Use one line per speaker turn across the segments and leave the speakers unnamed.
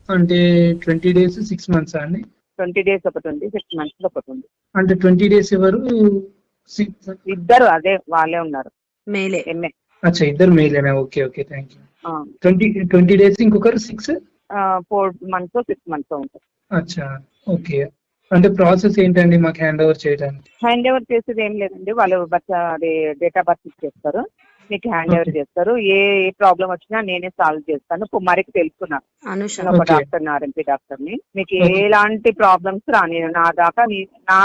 అంటే 20 days 6 months అండి?
20 days ఒకటి ఉంది, 6 months ఒకటి ఉంది.
అంటే 20 డేస్ ఎవరు?
ఇద్దరు అదే వాళ్ళే ఉన్నారు.
మేలే.
ఎంఏ.
అచ్చా, ఇద్దరు మేలేనా? Okay okay, thank you. 20 days ఇంకొకరు 6?
4 months 6 months ఉంటుంది.
అచ్చా, ఓకే. అంటే ప్రాసెస్ ఏంటండి మాకు హ్యాండ్ ఓవర్ చేయడానికి?
హ్యాండ్ ఓవర్ చేసేది ఏం లేదండి, వాళ్ళు అది డేట్ ఆఫ్ బర్త్ ఇచ్చేస్తారు, మీకు హ్యాండ్ ఓవర్ చేస్తారు. ఏ ప్రాబ్లం వచ్చినా నేనే సాల్వ్ చేస్తాను. కుమారికి తెలుసుకున్నాను, నేను ఒక డాక్టర్, ఆర్ఎంపీ డాక్టర్ని. మీకు ఎలాంటి ప్రాబ్లమ్స్ రాని నా దాకా నీ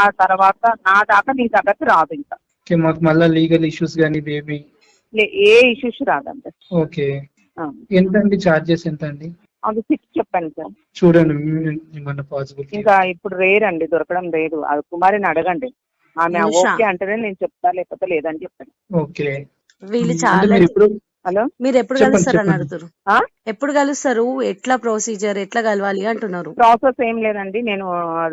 దగ్గరకు రాదు. ఇంకా
మాకు మళ్ళీ లీగల్ ఇష్యూస్ కానీ బేబీ
ఏ ఇష్యూస్ రాదండి.
ఓకే. ఎంత అండి చార్జెస్? ఎంత అండి?
అది 6 చెప్పాను సార్.
చూడండి పాసిబుల్.
ఇంకా ఇప్పుడు రేర్ అండి, దొరకడం లేదు. అది కుమారిని అడగండి, ఆమె ఓకే అంటేనే నేను చెప్తా, లేకపోతే లేదని చెప్తాను.
ఓకే.
వీళ్ళు చాలా.
హలో,
మీరు ఎప్పుడు కలుస్తారు అని అడుగుతారు? ఎప్పుడు కలుస్తారు, ఎట్లా ప్రొసీజర్, ఎట్లా కలవాలి అంటున్నారు?
ప్రాసెస్ ఏం లేదండి, నేను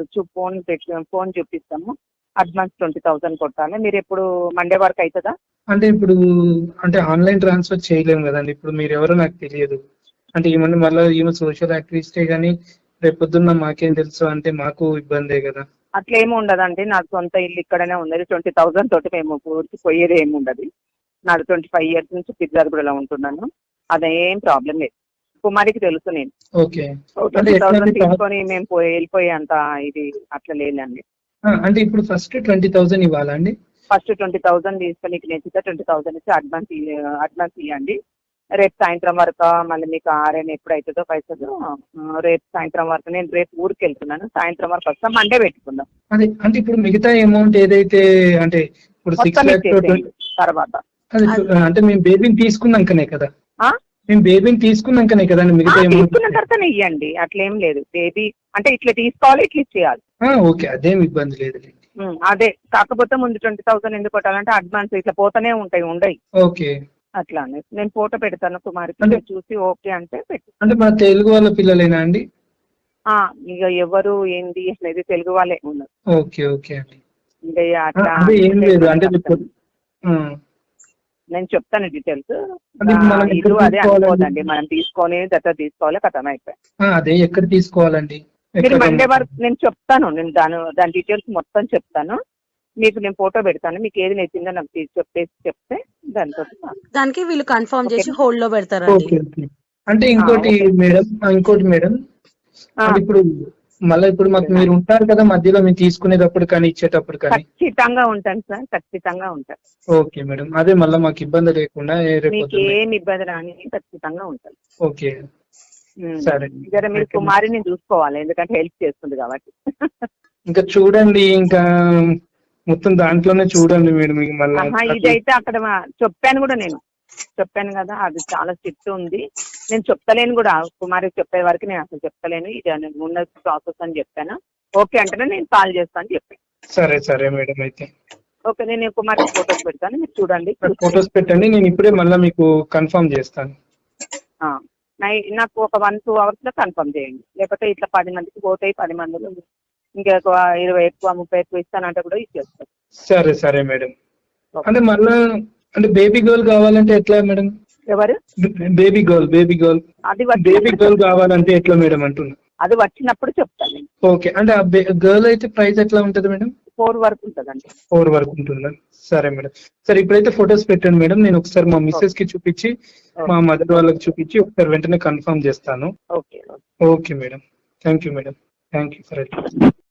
ఫోన్ చూపిస్తాము. అడ్వాన్స్ 20,000 కొట్టాలి. మీరు ఎప్పుడు మండే వరకు అవుతుందా?
అంటే ఇప్పుడు అంటే ఆన్లైన్ ట్రాన్స్ఫర్ చేయలేము కదండి. ఇప్పుడు మీరు ఎవరో నాకు తెలియదు. అంటే ఈమె మళ్ళీ ఈమె సోషల్ యాక్టివిస్టే కానీ రేపొద్దున్న మాకేం తెలుసు అంటే మాకు ఇబ్బందే కదా.
అట్లా ఏమి ఉండదండి, నాకు సొంత ఇల్లు ఇక్కడనే ఉన్నది. 20,000 తోటి మేము పూర్తి పోయేది ఏమి ఉండదు. నాది 25 years నుంచి పిర్జాదిగూడలో ఉంటున్నాను. అదేం ప్రాబ్లం లేదు. కుమారికి తెలుసు నేను.
ఓకే.
20,000 తీసుకొని మేము వెళ్ళిపోయే అంత ఇది అట్లా లేదండి.
అంటే ఇప్పుడు ఫస్ట్ 20,000 ఇవ్వాలా అండి?
ఫస్ట్ 20,000 తీసుకొని నీకు నచ్చితే 20,000 ఇచ్చి అడ్వాన్స్ ఇవ్వండి. రేపు సాయంత్రం వరకు మళ్ళీ మీకు ఆర్ఎన్ ఎప్పుడు అవుతుందో పైసలు రేపు సాయంత్రం వరకు. నేను రేపు ఊరికి వెళ్తున్నాను, సాయంత్రం వరకు వస్తాం. మండే పెట్టుకుందాం.
అదే అంటే ఇప్పుడు మిగతా అమౌంట్ ఏదైతే అంటే ఇప్పుడు 6 lakhs
తర్వాత
అంటే మేము బేబీని తీసుకున్నాకనే కదా, మేము బేబీని తీసుకున్నాకనే కదా మిగతా
తీసుకున్న తర్వాతనే ఇవ్వండి. అట్లేం లేదు, బేబీ అంటే ఇట్లా తీసుకోవాలి, ఇట్లా ఇచ్చేయాలి.
ఓకే, అదేం ఇబ్బంది లేదు.
అదే కాకపోతే ముందు 20,000 ఎందుకు కొట్టాలంటే అడ్వాన్స్ ఇట్లా పోతూనే ఉండయి.
ఓకే,
అట్లా నేను ఫోటో పెడతాను కుమారికి, చూసి ఓకే అంటే పెట్టు.
అంటే మన తెలుగు వాళ్ళ పిల్లలేనా అండి?
ఇక ఎవరు ఏంది అనేది తెలుగు వాళ్ళే ఉన్నారు.
ఓకే ఓకే అండి.
ఇంకా అట్లా
ఏం లేదు అంటే
నేను చెప్తాను డీటెయిల్స్. ఇది అదే అనుకోదండి, మనం తీసుకొని దగ్గర తీసుకోవాలి, కథం అయిపోయి.
అదే ఎక్కడ తీసుకోవాలండి?
మీరు మండే వరకు నేను చెప్తాను, నేను దాని డీటెయిల్స్ మొత్తం చెప్తాను మీకు. నేను ఫోటో పెడతాను, మీకు ఏది నచ్చిందో నాకు చెప్తే
దానికి వీళ్ళు కన్ఫర్మ్ చేసి హోల్డ్ లో పెడతారు.
అంటే ఇంకోటి మేడం, ఇప్పుడు మళ్ళీ ఇప్పుడు మాకు మీరు ఉంటారు కదా మధ్యలో, మేము తీసుకునేటప్పుడు కానీ ఇచ్చేటప్పుడు కానీ?
ఖచ్చితంగా ఉంటాను సార్, ఖచ్చితంగా ఉంటాను.
ఓకే మేడం, అదే మళ్ళీ మాకు ఇబ్బంది లేకుండా
మీకు ఏమి ఇబ్బంది రాని ఖచ్చితంగా ఉంటాను.
ఓకే సరే.
జర మీరు కుమారిని చూసుకోవాలి, ఎందుకంటే హెల్ప్ చేస్తుంది కాబట్టి.
ఇంకా చూడండి, ఇంకా మొత్తం దాంట్లోనే చూడండి మేడం.
ఇదైతే అక్కడ చెప్పాను కదా, అది చాలా స్ట్రిక్ట్ ఉంది. నేను చెప్తలేను కూడా, కుమారికి చెప్పే వరకు నేను అసలు చెప్తలేను. ఇది ఉన్న ప్రాసెస్ అని చెప్పాను. ఓకే అంటేనే నేను కాల్ చేస్తాను అని చెప్పాను.
సరే సరే మేడం, అయితే
ఓకే. నేను కుమారికి ఫొటోస్ పెడతాను, మీరు చూడండి.
ఫొటోస్ పెట్టండి, నేను ఇప్పుడే మళ్ళీ మీకు కన్ఫర్మ్ చేస్తాను.
నాకు ఒక 1-2 hours లో కన్ఫర్మ్ చేయండి, లేకపోతే ఇట్లా 10 మందికి పోతాయి. 10 మందిలో ఇంకా 20 ఎక్కువ 30 ఎక్కువ ఇస్తానంటే కూడా ఇచ్చేస్తాను.
సరే సరే మేడం. అంటే మళ్ళా అంటే బేబీ గర్ల్ కావాలంటే ఎట్లా మేడం?
ఎవరు?
బేబీ గర్ల్ అది బేబీ గర్ల్ కావాలంటే ఎట్లా మేడం అంటున్నా?
అది వచ్చినప్పుడు చెప్తాను.
ఓకే, అంటే ఆ గర్ల్ అయితే ప్రైస్ ఎట్లా ఉంటుంది మేడం?
4 వరకు ఉంటుందండి.
4 వరకు ఉంటుందా? సరే మేడం. సరే, ఇప్పుడైతే ఫొటోస్ పెట్టండి మేడం. నేను ఒకసారి మా మిస్సెస్ కి చూపించి మా మదర్ వాళ్ళకి చూపించి ఒకసారి వెంటనే కన్ఫర్మ్ చేస్తాను.
Okay
okay madam, thank you madam, thank you for it.